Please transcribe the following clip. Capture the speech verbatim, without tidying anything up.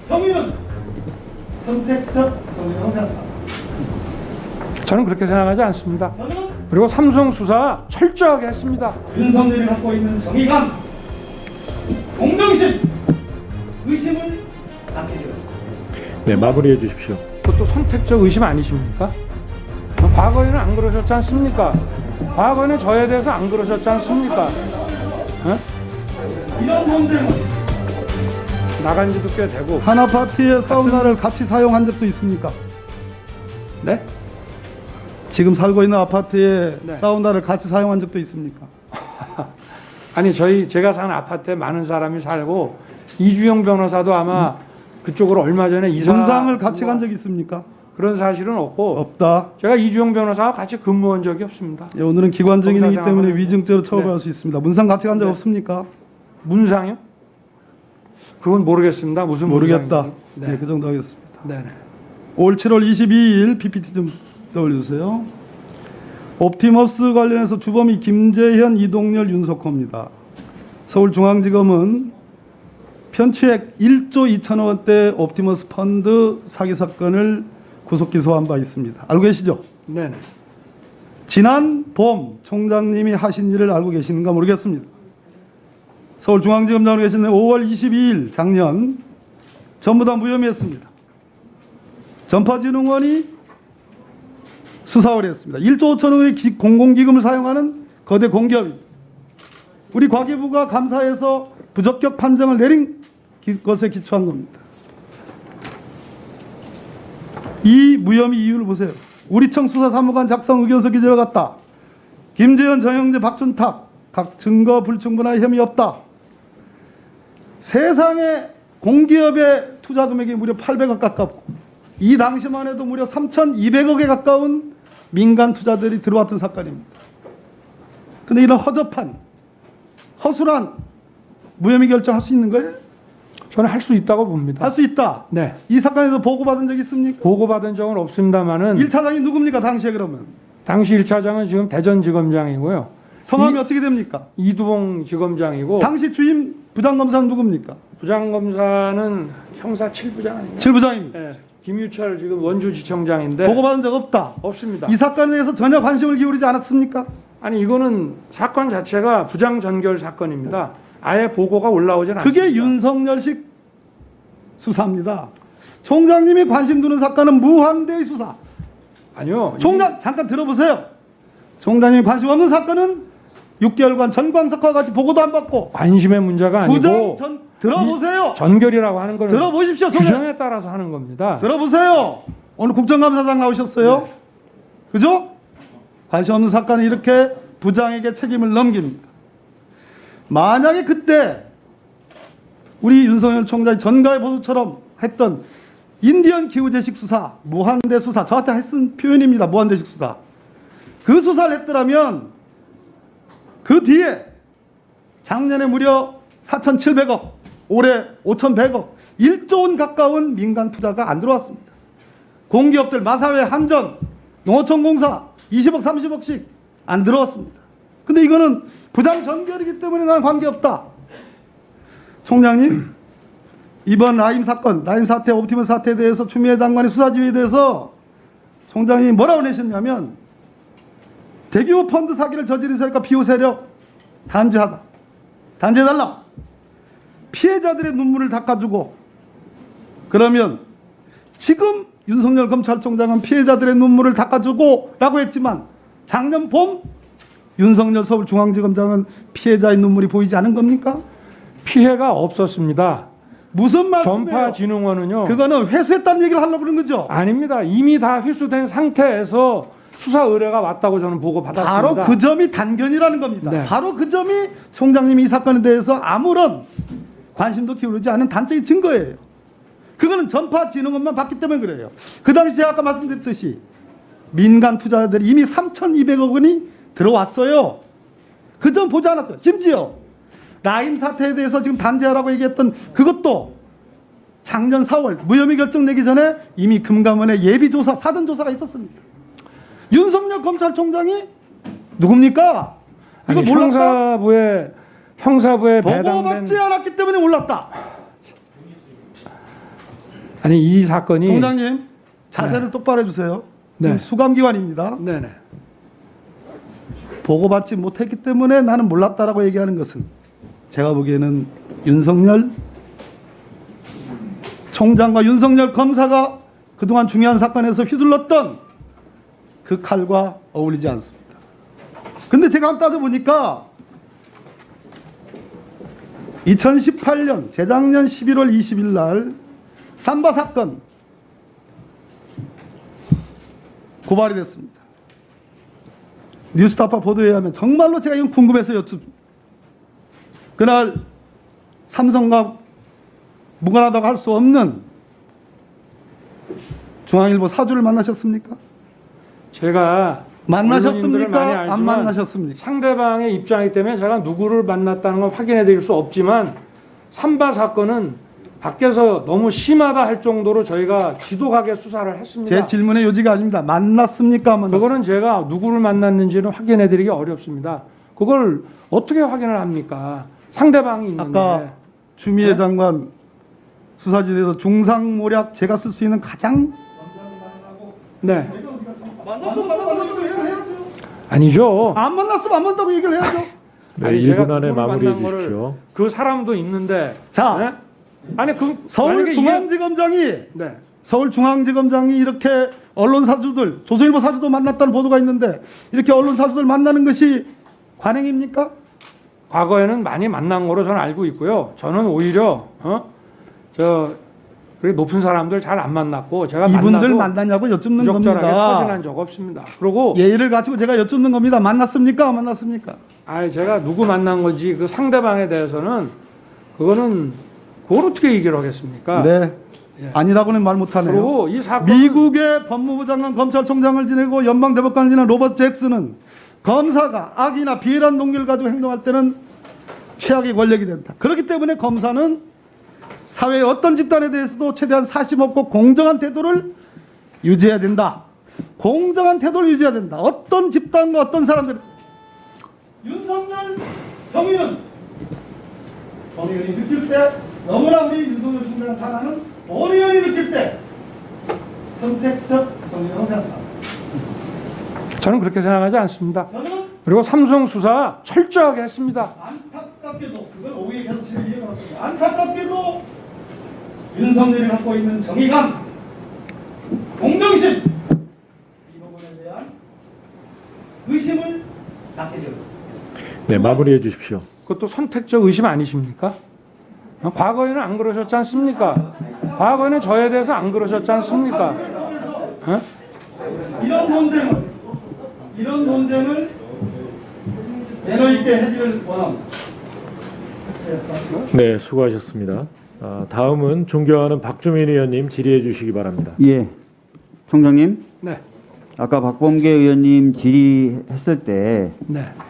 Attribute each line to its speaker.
Speaker 1: 정의는 선택적 정의라고 생각합니다.
Speaker 2: 저는 그렇게 생각하지 않습니다.
Speaker 1: 저는
Speaker 2: 그리고 삼성 수사 철저하게 했습니다.
Speaker 1: 윤석열이 갖고 있는 정의감, 공정심, 의심을 낳게 되었습니다.
Speaker 3: 네, 마무리해 주십시오.
Speaker 2: 그것도 선택적 의심 아니십니까? 과거에는 안 그러셨지 않습니까? 과거에는 저에 대해서 안 그러셨지 않습니까? 어?
Speaker 1: 이런 논쟁은
Speaker 2: 나간 지도 꽤 되고.
Speaker 4: 한 아파트의 사우나를 같이 사용한 적도 있습니까?
Speaker 2: 네?
Speaker 4: 지금 살고 있는 아파트에
Speaker 2: 네.
Speaker 4: 사우나를 같이 사용한 적도 있습니까?
Speaker 2: 아니 저희 제가 사는 아파트에 많은 사람이 살고 이주영 변호사도 아마 그쪽으로 얼마 전에 이사
Speaker 4: 문상을 같이 간 적이 있습니까?
Speaker 2: 그런 사실은 없고
Speaker 4: 없다.
Speaker 2: 제가 이주영 변호사와 같이 근무한 적이 없습니다.
Speaker 4: 예, 오늘은 기관 증인이기
Speaker 2: 검사
Speaker 4: 때문에
Speaker 2: 생활하는-
Speaker 4: 위증죄로 처벌할
Speaker 2: 네.
Speaker 4: 수 있습니다. 문상 같이 간 적
Speaker 2: 네.
Speaker 4: 없습니까?
Speaker 2: 문상요? 그건 모르겠습니다. 무슨
Speaker 4: 모르겠다.
Speaker 2: 문상인지.
Speaker 4: 네.
Speaker 2: 네.
Speaker 4: 그 정도 하겠습니다.
Speaker 2: 네네.
Speaker 4: 올 칠월 이십이일 피피티 좀 떠올려주세요. 옵티머스 관련해서 주범이 김재현, 이동열, 윤석호입니다. 서울중앙지검은 편취액 일조 이천억 원대 옵티머스 펀드 사기 사건을 구속 기소한 바 있습니다. 알고 계시죠?
Speaker 2: 네네.
Speaker 4: 지난 봄 총장님이 하신 일을 알고 계시는가 모르겠습니다. 서울중앙지검장으로 계신 오월 이십이일 작년 전부 다 무혐의했습니다. 전파진흥원이 수사를 했습니다. 일조 오천억의 기, 공공기금을 사용하는 거대 공기업입니다. 우리 과기부가 감사해서 부적격 판정을 내린 기, 것에 기초한 겁니다. 이 무혐의 이유를 보세요. 우리청 수사사무관 작성 의견서 기재와 같다. 김재현, 정영재, 박준탁 각 증거 불충분한 혐의 없다. 세상에 공기업의 투자 금액이 무려 팔백억 가깝고 이 당시만 해도 무려 삼천이백억에 가까운 민간 투자들이 들어왔던 사건입니다. 그런데 이런 허접한 허술한 무혐의 결정할 수 있는 거예요?
Speaker 2: 저는 할 수 있다고 봅니다.
Speaker 4: 할 수 있다.
Speaker 2: 네.
Speaker 4: 이 사건에서 보고받은 적 있습니까?
Speaker 2: 보고받은 적은 없습니다만은
Speaker 4: 일 차장이 누굽니까 당시에 그러면?
Speaker 2: 당시 일 차장은 지금 대전지검장이고요.
Speaker 4: 성함이
Speaker 2: 이-
Speaker 4: 어떻게 됩니까?
Speaker 2: 이두봉 지검장이고
Speaker 4: 당시 주임 부장검사는 누굽니까?
Speaker 2: 부장검사는 형사 칠 부장 아닌가요?
Speaker 4: 칠 부장입니다.
Speaker 2: 네. 김유철 지금 원주지청장인데
Speaker 4: 보고받은 적 없다.
Speaker 2: 없습니다.
Speaker 4: 이 사건에 대해서 전혀 관심을 기울이지 않았습니까?
Speaker 2: 아니 이거는 사건 자체가 부장 전결 사건입니다. 아예 보고가 올라오진 않습니다.
Speaker 4: 그게 윤석열식 수사입니다. 총장님이 관심 두는 사건은 무한대의 수사.
Speaker 2: 아니요.
Speaker 4: 총장 잠깐 들어보세요. 총장님이 관심 없는 사건은 육 개월간 전광석과 같이 보고도 안 받고
Speaker 2: 관심의 문제가 아니고
Speaker 4: 부장 전 들어보세요.
Speaker 2: 전결이라고 하는 거는
Speaker 4: 들어보십시오. 총장.
Speaker 2: 규정에 따라서 하는 겁니다.
Speaker 4: 들어보세요. 오늘 국정감사장 나오셨어요.
Speaker 2: 네.
Speaker 4: 그죠? 관심 없는 사건은 이렇게 부장에게 책임을 넘깁니다. 만약에 그때 우리 윤석열 총장이 전가의 보도처럼 했던 인디언 기후재식 수사, 무한대 수사, 저한테 했은 표현입니다. 무한대식 수사. 그 수사를 했더라면 그 뒤에 작년에 무려 사천칠백억, 올해 오천백억, 일조 원 가까운 민간 투자가 안 들어왔습니다. 공기업들 마사회, 한전, 농어촌공사 이십억, 삼십억씩 안 들어왔습니다. 근데 이거는 부장 전결이기 때문에 나는 관계없다. 총장님, 이번 라임 사건, 라임 사태, 옵티머스 사태에 대해서 추미애 장관의 수사 지휘에 대해서 총장님이 뭐라고 내셨냐면 대규모 펀드 사기를 저지른 세력과 비호 세력 단죄하다. 단죄해달라. 피해자들의 눈물을 닦아주고 그러면 지금 윤석열 검찰총장은 피해자들의 눈물을 닦아주고 라고 했지만 작년 봄 윤석열 서울중앙지검장은 피해자의 눈물이 보이지 않은 겁니까?
Speaker 2: 피해가 없었습니다.
Speaker 4: 무슨 말씀이에요?
Speaker 2: 전파진흥원은요.
Speaker 4: 그거는 회수했다는 얘기를 하려고 그러는 거죠?
Speaker 2: 아닙니다. 이미 다 회수된 상태에서 수사 의뢰가 왔다고 저는 보고 받았습니다.
Speaker 4: 바로 그 점이 단견이라는 겁니다.
Speaker 2: 네.
Speaker 4: 바로 그 점이 총장님이 이 사건에 대해서 아무런 관심도 기울이지 않은 단적인 증거예요. 그거는 전파진흥원만 봤기 때문에 그래요. 그 당시 제가 아까 말씀드렸듯이 민간 투자자들이 이미 삼천이백억 원이 들어왔어요. 그 점 보지 않았어요. 심지어 라임 사태에 대해서 지금 단죄하라고 얘기했던 그것도 작년 사월 무혐의 결정 내기 전에 이미 금감원의 예비조사, 사전조사가 있었습니다. 윤석열 검찰총장이 누굽니까? 이거
Speaker 2: 아니,
Speaker 4: 몰랐다?
Speaker 2: 형사부에 형사부에 배당된
Speaker 4: 보고받지 않았기 때문에 몰랐다.
Speaker 2: 아니 이 사건이
Speaker 4: 총장님 자세를 똑바로 해주세요.
Speaker 2: 네.
Speaker 4: 지금 수감기관입니다.
Speaker 2: 네네.
Speaker 4: 보고받지 못했기 때문에 나는 몰랐다라고 얘기하는 것은 제가 보기에는 윤석열 총장과 윤석열 검사가 그동안 중요한 사건에서 휘둘렀던 그 칼과 어울리지 않습니다. 근데 제가 한번 따져보니까 이천십팔 년 재작년 십일월 이십일 날 삼바 사건 고발이 됐습니다. 뉴스타파 보도에 의하면 정말로 제가 이건 궁금해서 여쭙습니다. 그날 삼성과 무관하다고 할 수 없는 중앙일보 사주를 만나셨습니까?
Speaker 2: 제가
Speaker 4: 만나셨습니까?
Speaker 2: 언론인들을 많이
Speaker 4: 안
Speaker 2: 알지만
Speaker 4: 만나셨습니까?
Speaker 2: 상대방의 입장이기 때문에 제가 누구를 만났다는 건 확인해 드릴 수 없지만 삼바 사건은 밖에서 너무 심하다 할 정도로 저희가 지독하게 수사를 했습니다.
Speaker 4: 제 질문의 요지가 아닙니다. 만났습니까? 안 만났습니까?
Speaker 2: 그거는 제가 누구를 만났는지는 확인해 드리기 어렵습니다. 그걸 어떻게 확인을 합니까? 상대방이 있는데.
Speaker 4: 아까 주미애
Speaker 2: 네?
Speaker 4: 장관 수사지대에서 중상모략 제가 쓸 수 있는 가장
Speaker 2: 네.
Speaker 4: 만났으면 만났다고 얘기를 해야죠.
Speaker 2: 아니죠.
Speaker 4: 안 만났으면 안 만났다고 얘기를 해야죠.
Speaker 3: 네,
Speaker 2: 아니,
Speaker 3: 일
Speaker 2: 제가
Speaker 3: 분 안에
Speaker 2: 누구를
Speaker 3: 마무리해
Speaker 2: 만난 거를
Speaker 3: 주십시오.
Speaker 2: 그 사람도 있는데.
Speaker 4: 자,
Speaker 2: 네? 아니 그 만약에
Speaker 4: 서울중앙지검장이
Speaker 2: 이게- 네.
Speaker 4: 서울중앙지검장이 이렇게 언론 사주들, 조선일보 사주도 만났다는 보도가 있는데 이렇게 언론 사주들 만나는 것이 관행입니까?
Speaker 2: 과거에는 많이 만난 거로 저는 알고 있고요. 저는 오히려 어? 저 그렇게 높은 사람들 잘 안 만났고 제가
Speaker 4: 이분들
Speaker 2: 만나도
Speaker 4: 만났냐고 여쭙는
Speaker 2: 부적절하게 처신한
Speaker 4: 겁니다.
Speaker 2: 적 없습니다. 그리고
Speaker 4: 예의를 갖추고 제가 여쭙는 겁니다. 만났습니까? 안 만났습니까?
Speaker 2: 아 제가 누구 만난 건지 그 상대방에 대해서는 그거는 그걸 어떻게 얘기를 하겠습니까?
Speaker 4: 네.
Speaker 2: 예.
Speaker 4: 아니라고는 말 못하네요.
Speaker 2: 그리고 이 사건
Speaker 4: 미국의 법무부 장관 검찰총장을 지내고 연방대법관을 지낸 로버트 잭슨은 검사가 악이나 비열한 동기를 가지고 행동할 때는 최악의 권력이 된다. 그렇기 때문에 검사는 사회의 어떤 집단에 대해서도 최대한 사심 없고 공정한 태도를 유지해야 된다. 공정한 태도를 유지해야 된다. 어떤 집단과 어떤 사람들 윤석열 정의는 정의원이 느낄 때 너무나 우리 윤석열 총장을 잘 아는 원의원이 느낄 때 선택적 정의라고 생각합니다.
Speaker 2: 저는 그렇게 생각하지 않습니다.
Speaker 4: 저는
Speaker 2: 그리고 삼성 수사 철저하게 했습니다.
Speaker 4: 안타깝게도 그걸 오후에 계속 제가 이해해봤습니다. 안타깝게도 윤석열이 갖고 있는 정의감, 공정심 이 부분에 대한 의심을 낳게 되었습니다.
Speaker 3: 네, 마무리해 주십시오.
Speaker 2: 그것도 선택적 의심 아니십니까? 어, 과거에는 안 그러셨지 않습니까? 과거에는 저에 대해서 안 그러셨지 않습니까? 어?
Speaker 4: 이런 논쟁을 이런 논쟁을 매너 있게 해지를 원합니다.
Speaker 3: 네, 수고하셨습니다. 아, 다음은 존경하는 박주민 의원님 질의해 주시기 바랍니다.
Speaker 5: 예, 총장님,
Speaker 2: 네,
Speaker 5: 아까 박범계 의원님 질의했을 때
Speaker 2: 네.